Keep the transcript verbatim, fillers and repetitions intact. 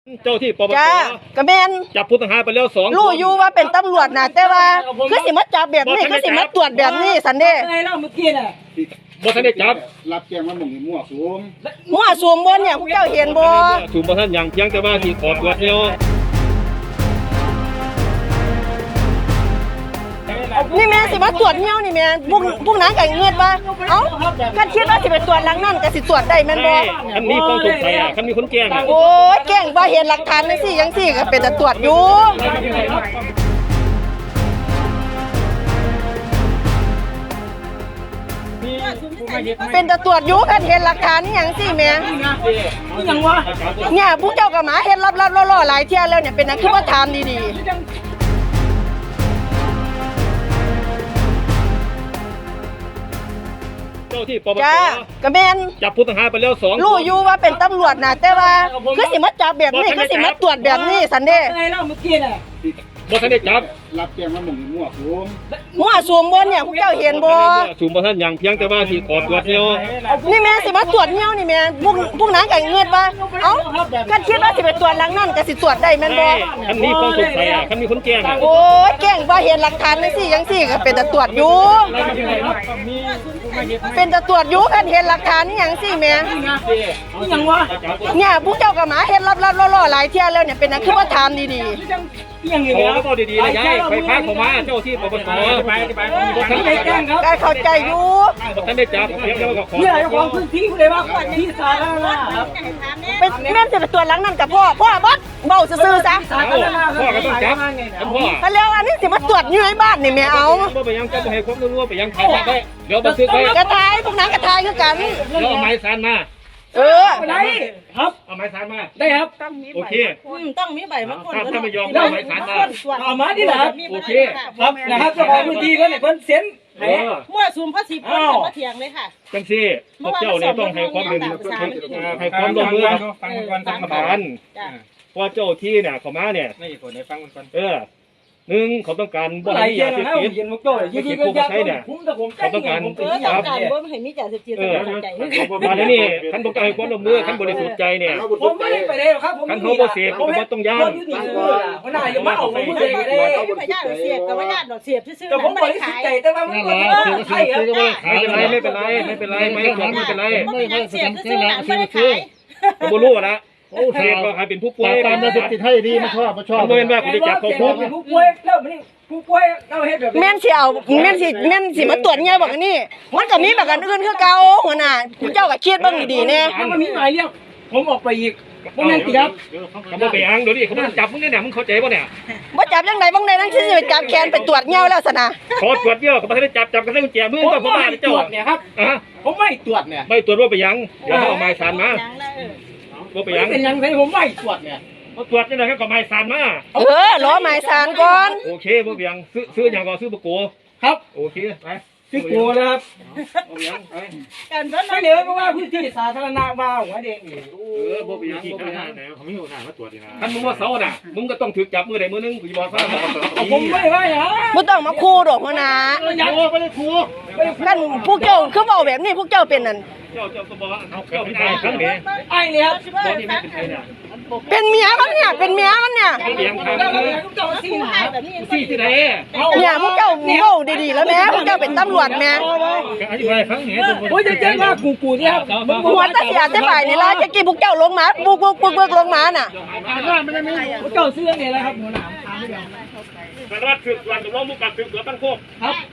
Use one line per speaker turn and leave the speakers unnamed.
เจ้าที่ปปส
จ้ากระเบน
จับผู้ต้องหาไปแล้วสอง
รู้อยู่ว่าเป็นตำรวจนะแต่ว่าคือสิมาจับแบบนี้คือสิมาตรวจแบบนี้สันเด้
ไงเล่าเมื่อกี้น่ะ
บ่ทันได้จับ
รับแจ้งว่าหม่องนี่มั่วสุม
มั่วสุมบนเนี่ยพวกเจ้าเห็นบ่
สุมบ่ทันหยังเพียงแต่ว่าที่ขอตรวจแล้ว
นี่แม่สิมาตรวจเงี้ยวนี่แม่พวกพวกนั้นก็เงือดว่าเอ้าคันคิดว่าสิไปตรวจหลังนั่นก็สิตรวจได้แม่นบ่
คันนี้ต้องสงสัยอ่ะคันมีคนแจ้งอ่ะ
โอ้ยแจ้งบ่เห็นหลักฐานจังซี่จังซี่ก็เป็นแต่ตรวจอยู่เป็นแต่ตรวจอยู่คันเห็นหลักฐานนี่หยังซี่แม่
นี่ยังวะ
เนี่ยพวกเจ้าก็มาเฮ็ดลับๆล่อๆหลายเที่ยแล้วเนี่ยเป็นอันคือว่าถามดีๆ
เจ้าที่ปปส
จ้ากระเบน
จับผู้ต้องหาไปแล้วสอง
รู้อยู่ว่าเป็นตำรวจนะแต่ว่าคือสิมาจับแบบนี้คือสิมาตรวจแบบนี้สันเด้
ไงเล่าเมื่อกี้น่ะ
บ่ทันได้จับ
รับแจ้งว่าหม่องนี่มั่วสุม
มั่วสุมบนเนี่ยพวกเจ้าเห็นบ่
สุมบ่ทันหยังเพียงแต่ว่าที่ขอตรวจแล้ว
นี่แม่สิมาตรวจเงี้ยวนี่แม่พวกพวกนั้นก็เงือดว่าเอ้าคันคิดว่าสิไปตรวจหลังนั่นก็สิตรวจได้แม่นบ่
คันนี้ต้องสงสัยอ่ะคันมีคนแจ้งอ่ะ
โอ้ยแจ้งบ่เห็นหลักฐานจังซี่จังซี่ก็เป็นแต่ตรวจอยู่เป็นแต่ตรวจอยู่คันเห็นหลักฐานนี่หยังซี่แม่
นี่ยังวะ
เนี่ยพวกเจ้าก็มาเฮ็ดลับๆล่อๆหลายเที่ยแล้วเนี่ยเป็นอันคือว่าถามดีๆ
ยังอยู่
แล้วก็ดีๆนะยายไปพาเขามาเจ้าที่ปปสไปไป
ท่านได้แจ้งครับ
ได้เข้าใจอยู่
ท่านได้จับเพียงแต่ว่าก็ขอ
เนี่ยเจ้าของพื้นที่เลยว่าที่สาธารณะครับ
เป็นแม่นสิไปตรวจหลังนั่นกับพ่อพ่อบ่เว้าซื่อๆซะ
พ่อก็ต้องจับพ่อ
ถ้าแล้วอันนี้สิมาตรวจอยู่ในบ้านนี่แม่เอา
บ่ไปยังจะบ่ให้ความรู้ไปยังถ่ายได้เดี๋ยวบันทึกไว้
กระทายพวกนั้นกระทายคือกัน
เดี๋ยวเอาไม้สานมา
เออ
ได้ครับ
เอาไม้สานมา
ได้ครับ
โอเค
ต้องมีใบมะกรูด
ถ้าไม่ยอมเอาไม้สานมา
เอามาดิล่ะ
โอเค
ครับนะครับเจ้าของพื้นที่ก็เนี่ยเพิ่นเซ็น
มั่วสุมภาษีเพิ่นจะมาเถียงเลยค่ะ
จังซี่พวกเจ้าเนี่ยต้องให้ความร่วมมือให้ความร่วมมือฟังก่อนฟังก่อนเพราะเจ้าที่เนี่ยเขามาเนี่ย
นี่คนให้ฟังมันก่อน
เออหนึ่งเขาต้องการบ่ให้ยาเสพติด
เย็นมุกโต้ยยืนยันยัน
เนี่ยเขาต้องการ
เออต้องการบ่ให้มียาเสพติดเข้าใจ
มาแล้วนี่คันบ่ให้ความร่วมมือคันบริสุทธิ์ใจเนี่ย
ผมไม่ได้ไปเลยครับผม
คันเขาบ่เสพก็บ่ต้องย่าน
หัวหน้าอย่ามาเอาผมมือเลยเด้
ไม่ญาติเสพก็บ่ญาติดอกเสพซื่อๆ
แต่ผมบริสุทธิ์ใจแต่ว่ามันก็ใช่ครับ
ไม่เป็นไรไม่เป็นไรไม่เป็นไรไม่เป็นไรไม่เป็นไร
ไม่เสพซื่อๆน่ะบ่ได้ขาย
บ่รู้นะโอ้เสพก็ใครเป็นผู้ป่วย
ตามยาเสพติดให้ดีไม่ชอบไม่ชอบ
บ่เห็นว่าคุณได้จับเขาคุก
ผู้ป่วยแล้วมันผู้ป่วยเราเฮ็ดแบบ
แม่นสิเอาแม่นสิแม่นสิมาตรวจเงี้ยบอกนี่มันก็มีแบบกันอื่นคือเก่าหัวหน้าเจ้าก็คิดเบิ่งดีๆแน่
มันมีหมายเรียกผมออกไปอีกบ่แม่นติครับ
เขาบ่ไปอังเดี๋ยวนี้เขาบ่จับมึงเนี่ยมึงเข้าใจบ่เนี่ย
บ่จับจังได๋บ่ได้นั่นสิไปจับแขนไปตรวจเงี้ยแล้วซะนะ
ขอตรวจเงี้ยก็บ่ได้จับจับกันได้กุญแจมือก็บ่มาเจ้า
เนี่ยครับอ่ะผมไม่ตรวจเนี่ย
ไม่ตรวจว่าไปยังเดี๋ยวเอาไม้สานมา
บ่ไปยังเป็นยังไงผมไม่ตรวจเนี่ย
บ่ตรวจจังได๋ก็ไม้สานมา
เออรอไม้สานก่อน
โอเคบ่ไปยังซื้อซื้อหยังก็ซื้อบ่โก
ครับ
โอเคไป
ซื้อโกนะครับ
บ่ไปยังไป
กันเพิ่นไม่เด้อเพราะว่าพื้นที่สาธารณะว่าหัวเด็กนี่
เออบ่ไปยังบ่ไปยังแล้วเขามีหัวหน้ามาตรวจนี่นะคันมึงว่าเซาน่ะมึงก็ต้องถูกจับมือใดมือนึงกูสิบอกว่า
ผมไม่ว่าหยัง
บ่ต้องมาคู่ดอกหัวหน้า
โอ้บ่ได้คู่
กันพวกเจ้าคือเว้าแบบนี้พวกเจ้าเป็นนั่น
เจ้าเจ้าก็บอกว่าเอาเจ้าเป็นไอ้ครั้งนี้
ไอ้เนี่ยครับ
บ่นี่ไม่เป็นไอ้เนี่ย
เป็นเมียมันเนี่ยเป็นเมียมันเนี่ย
เลี้ยงทางเลยซี่ที่ไหน
เนี่ยพวกเจ้าเว้าดีๆแล้วแม่พวกเจ้าเป็นตำรวจแม่
อธิบายครั้งนี้
โอ้ยจะแจ้งว่ากูกูเนี่ยครับ
หัวตาเสียแต่ฝ่ายนี่ล่ะจะกี่พวกเจ้าลงมาบุกบุกบุกบุกลงมาน่ะ
พวกเจ้าซื้อเนี่ยแหละครับหัวหน้า
สารวัตรสืบสวนสำรวจมุกการสืบสวนตั้งโคก
ครับ